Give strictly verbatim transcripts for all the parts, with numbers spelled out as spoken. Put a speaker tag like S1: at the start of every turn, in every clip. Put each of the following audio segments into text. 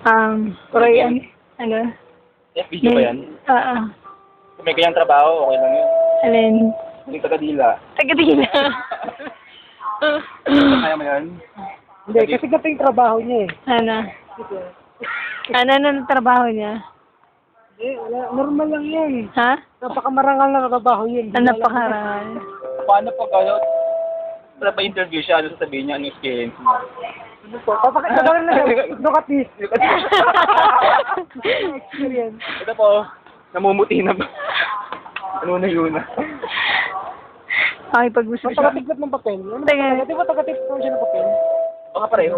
S1: Um, Korean. Ano?
S2: Eh, video ba yan?
S1: Oo.
S2: Kung may kanyang trabaho, okay lang yun.
S1: Alin?
S2: Yung taga-dila.
S1: Tagadila.
S2: Kaya mo yan?
S3: Hindi, kasi ganito yung trabaho niya eh.
S1: Ano? Ano na trabaho niya?
S3: Hindi, wala. Normal lang yan.
S1: Ha?
S3: Napakamarangal na trabaho yun.
S1: Ano napakarangal?
S2: Paano pag ano, para pa-interview siya, ano sasabihin niya, ano experience mo?
S3: Ano po? Papakita ko rin na siya. Look at this. Experience.
S2: Ito po, namumuti na ba? Ano na yun?
S1: Okay, pag-gusto siya.
S3: Tagatiklop ng papel. Ano ba
S1: Taga-
S3: talaga? Di ba tagatiklop siya ng papel?
S2: Baka pareho.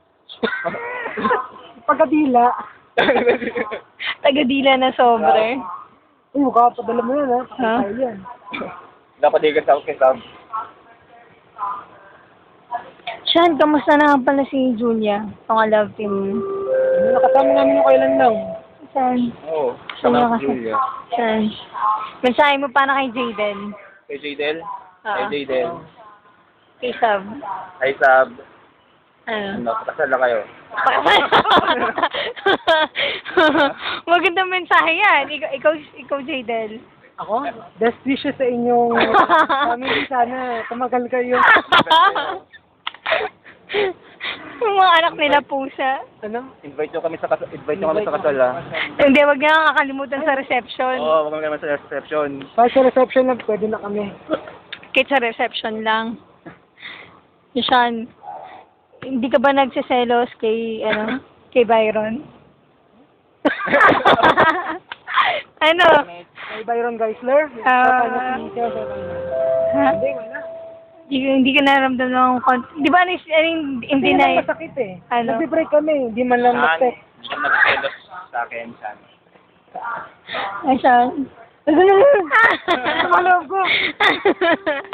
S3: Pagkadila.
S1: Tagadila na sobre.
S3: Uy, mukha pa. Dala mo yan ha.
S1: Ha?
S3: Pakita yan.
S2: Dapat di ka sa kay Sam.
S1: Sean, kamusta na nga pala si Julia? Ang love team.
S3: Ano, nakasama namin yung kailan lang.
S1: Sean.
S2: Oo,
S1: Saan
S2: sama
S1: ka
S2: si
S1: kasi?
S2: Julia.
S1: Sean. Mensahe mo pa na kay Jaden.
S2: Kay Jadel?
S1: Oo.
S2: Kay Jadel.
S1: Kay Sab.
S2: Hi Sab.
S1: Ano?
S2: Ano, pakasal na kayo.
S1: Magandang mensahe yan. Ikaw, ikaw, ikaw Jadel.
S3: Ako? Best wishes sa inyong family. Sana tumagal kayo.
S1: Yung mga anak nila pusa.
S3: Ano?
S2: Invite nyo kami sa kasal, invite nyo kami sa kasal ah.
S1: Hindi, wag niya kakalimutan sa reception.
S2: Oo, wag kami naman sa reception.
S3: Kahit sa reception lang, pwede na kami.
S1: Kahit sa reception lang. Sean, hindi ka ba nagsiselos kay, ano, kay Byron? Ano?
S3: Kay Byron Geisler?
S1: Ah. Ha?
S3: Hindi, wala.
S1: Hindi, hindi ka naramdam ng kon- Di ba, ano, ano, hindi
S3: Hindi
S1: na
S3: na masakit eh.
S1: Ano?
S3: Nag-break kami, hindi man lang
S2: Saan?
S3: mag-text.
S2: Hindi siya nag-selos sa akin, Saan?
S1: Ay, Sean.
S3: Ano? Ano? Ano?